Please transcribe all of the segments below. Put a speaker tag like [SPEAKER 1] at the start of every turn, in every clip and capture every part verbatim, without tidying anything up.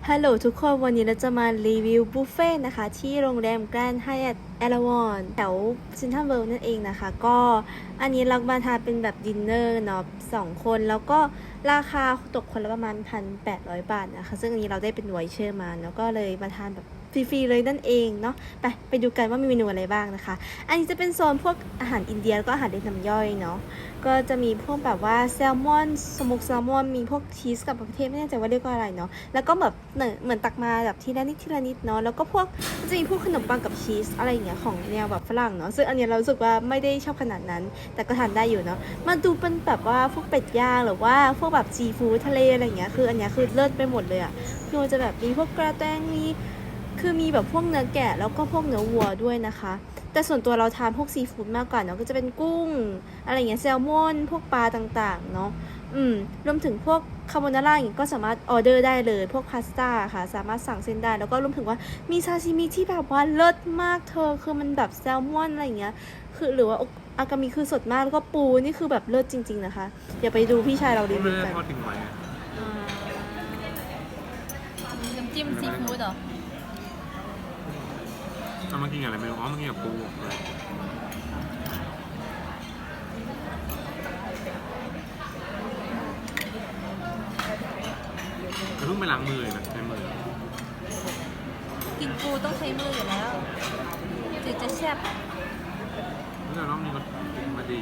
[SPEAKER 1] ฮัลโหลทุกคนวันนี้เราจะมารีวิวบุฟเฟ่ต์นะคะที่โรงแรมแกรนด์ไฮแอทเอราวันแถวเซ็นทรัลเวิลด์นั่นเองนะคะก็อันนี้เรามาทานเป็นแบบดินเนอร์เนาะสองคนแล้วก็ราคาตกคนละประมาณ หนึ่งพันแปดร้อย บาทนะคะซึ่งอันนี้เราได้เป็นไวเชอร์มาแล้วก็เลยมาทานแบบฟรีๆเลยนั่นเองเนาะไปไปดูกันว่ามีเมนูอะไรบ้างนะคะอันนี้จะเป็นโซนพวกอาหารอินเดียแล้วก็อาหารเล็กน้ำย่อยเนาะก็จะมีพวกแบบว่าแซลมอนสโมกแซลมอนมีพวกชีสกับประเทศไม่แน่ใจว่าเรียกว่าอะไรเนาะแล้วก็แบบเหมือนเหมือนตักมาแบบทีละนิดทีละนิดเนาะแล้วก็พวกจะมีพวกขนมปังกับชีสอะไรอย่างเงี้ยของแนวแบบฝรั่งเนาะซึ่งอันนี้เรารู้สึกว่าไม่ได้ชอบขนาดนั้นแต่ก็ทานได้อยู่เนาะมาดูเป็นแบบว่าพวกเป็ดย่างหรือว่าพวกแบบซีฟู้ดทะเลอะไรอย่างเงี้ยคืออันเนี้ยคือเลิศไปหมดเลยอะคือมันจะแบบมีพวกกระแตงมีคือมีแบบพวกเนื้อแกะแล้วก็พวกเนื้อวัวด้วยนะคะแต่ส่วนตัวเราทานพวกซีฟู้ดมากกว่าเนาะก็จะเป็นกุ้งอะไรอย่างเงี้ยแซลมอนพวกปลาต่างๆเนาะอืมรวมถึงพวกคาโบนาร่าอย่างงี้ก็สามารถออเดอร์ได้เลยพวกพาสต้าค่ะสามารถสั่งเส้นได้แล้วก็รวมถึงว่ามีซาชิมิที่แบบว่าเลิศมากเธอคือมันแบบแซลมอนอะไรอย่างเงี้ยคือหรือว่าอากามิคือสดมากแล้วก็ปูนี่คือแบบเลิศจริงๆนะคะเดี๋ยวไปดูพี่ชายเรารีวิวกัน
[SPEAKER 2] ทอดทิ้งไว้อะ
[SPEAKER 3] น้ำจิ้มซีฟู้ดเหรอ
[SPEAKER 2] เอามากินกับอะไรไม่รู้อ๋อมากินกับปูเลยแต่เพิ่งไปล้างมือเลยนะใช้มือ
[SPEAKER 3] กินปูต้องใช้มืออยู่แล้วถึงจะแซ่บ
[SPEAKER 2] แล้วรอบนี้ก็มาดี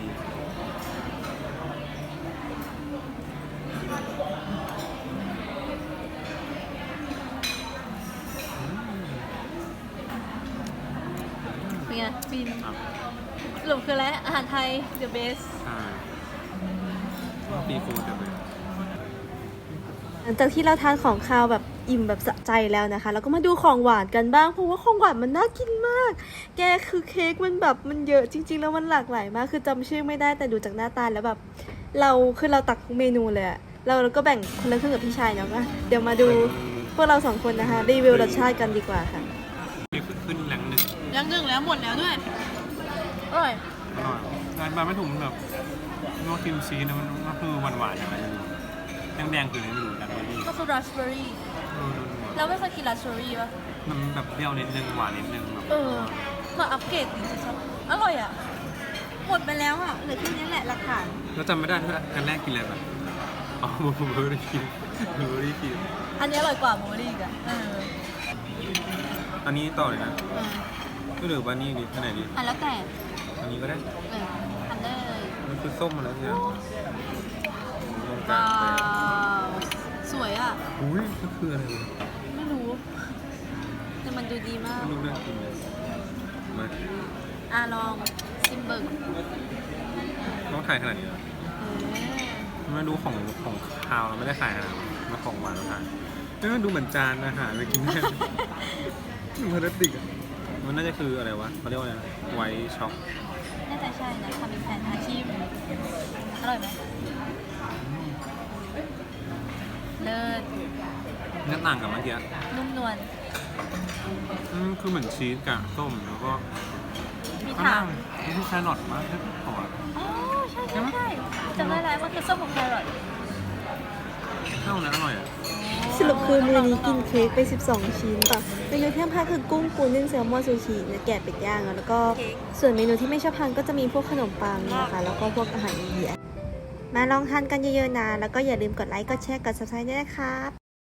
[SPEAKER 3] เป็นไงฟิน
[SPEAKER 2] ครับ
[SPEAKER 3] สรุปคืออะไรอาหารไทย the best
[SPEAKER 2] ใช่ซีฟู้ดเต็มเลย
[SPEAKER 1] หลังจากที่เราทานของคาวแบบอิ่มแบบสะใจแล้วนะคะแล้วก็มาดูของหวานกันบ้างเพราะว่าของหวานมันน่ากินมากแกคือเค้กมันแบบมันเยอะจริงๆแล้วมันหลากหลายมากคือจำชื่อไม่ได้แต่ดูจากหน้าตาแล้วแบบเราคือเราตักทุกเมนูเลยอะเราเราก็แบ่งคนละครึ่งกับพี่ชายเนาะก็เดี๋ยวมาดูพวกเราสองคนนะคะรีวิวรสชาติกันดีกว่าค่ะ
[SPEAKER 2] นี่ขึ้นแรงหนึ่ง
[SPEAKER 3] ยังหนึ่งแล้วหมดแล้วด้วยอร่อย
[SPEAKER 2] อร่อยงานมาไม่ถูกมันแบบนอกครีมชีสนะมันก็คือหวานๆอย่างไรไม่รู้แดงๆคืออะไรไม่รู้แต่ว่านี่
[SPEAKER 3] ก็คือราสเบอร์รี่เราไม่เคยกินราสเบอร์รี่ป่ะ
[SPEAKER 2] มันแบบเปรี้ยวนิดนึงหวานนิดนึงแบบ
[SPEAKER 3] เออมาอัปเกรดจริงๆอร่อยอ่ะหมดไปแล้วอ่ะเหลือแค่นี้แหละหลักฐาน
[SPEAKER 2] แล้วจำไม่ได้ด้วยอันแรกกินอะไรแบบอ๋อบูเบอรี่ครีมบูเบอรี่ครีม
[SPEAKER 3] อันนี้อร่อยกว่าโมลี่อีกอ่ะเออ
[SPEAKER 2] อันนี้ต่อเลยนะ
[SPEAKER 3] เออ
[SPEAKER 2] ก็เหลือว่านี่ดีอันไหนดี
[SPEAKER 3] อ่ะแล้วแต่
[SPEAKER 2] อันนี้ก็ได้
[SPEAKER 3] เออทำได้เลย
[SPEAKER 2] มันคือส้มมาแล้วเนี่ยลงกลา
[SPEAKER 3] ว้าง
[SPEAKER 2] ไป
[SPEAKER 3] วสวยอ่ะ
[SPEAKER 2] อุ้ยก็คืออะไรวะ
[SPEAKER 3] ไม่รู้ แต่มันดูดีมาก
[SPEAKER 2] ไม่รู้เรื่องกินเลยมา
[SPEAKER 3] อ่ะลองซิมเบิร์ก
[SPEAKER 2] ต้องถ่ายขนาดนี้เหรอ
[SPEAKER 3] เออ
[SPEAKER 2] ไม่รู้ของของคาวเราไม่ได้ขายขนาดนั้นมาของหวานเราขายเอ้ยมันดูเหมือนจานอาหารไปกินได้ดูพลาสติกอะมันน่าจะคืออะไรวะเขาเรียกว่าอะไรนะไวท์ช็อก
[SPEAKER 3] น่าจะใช่นะทำเป็นแผ่นอาชีพอร่อยไหมเลิศ
[SPEAKER 2] หน้าต่างกับเมื่อกี้
[SPEAKER 3] นุ่มนวล
[SPEAKER 2] อืมคือเหมือนชีสกับส้มแล้วก็
[SPEAKER 3] มี
[SPEAKER 2] ข้าง
[SPEAKER 3] ถา
[SPEAKER 2] ล่าม งนี่คือแครอทมั้งที่ขอ
[SPEAKER 3] อ๋อใช่ใช่ใช่จำได้แล้วมันคือส้มของแครอท
[SPEAKER 2] ข้าวนั้นอร่อยอ่ะ
[SPEAKER 1] สรุปคือมื้อนี้กินเค้กไปสิบสองชิ้นป่ะเมนูที่ห้ามพลาดคือกุ้งปูนึ่งแซลมอนซูชิเนื้อแกะเป็ดย่างแล้วก็ส่วนเมนูที่ไม่ชอบทานก็จะมีพวกขนมปังนะคะแล้วก็พวกอาหารอินเดียมาลองทานกันเยอะๆนะแล้วก็อย่าลืมกดไลค์กดแชร์กด ซับสไครบ์ ด้วยนะครับ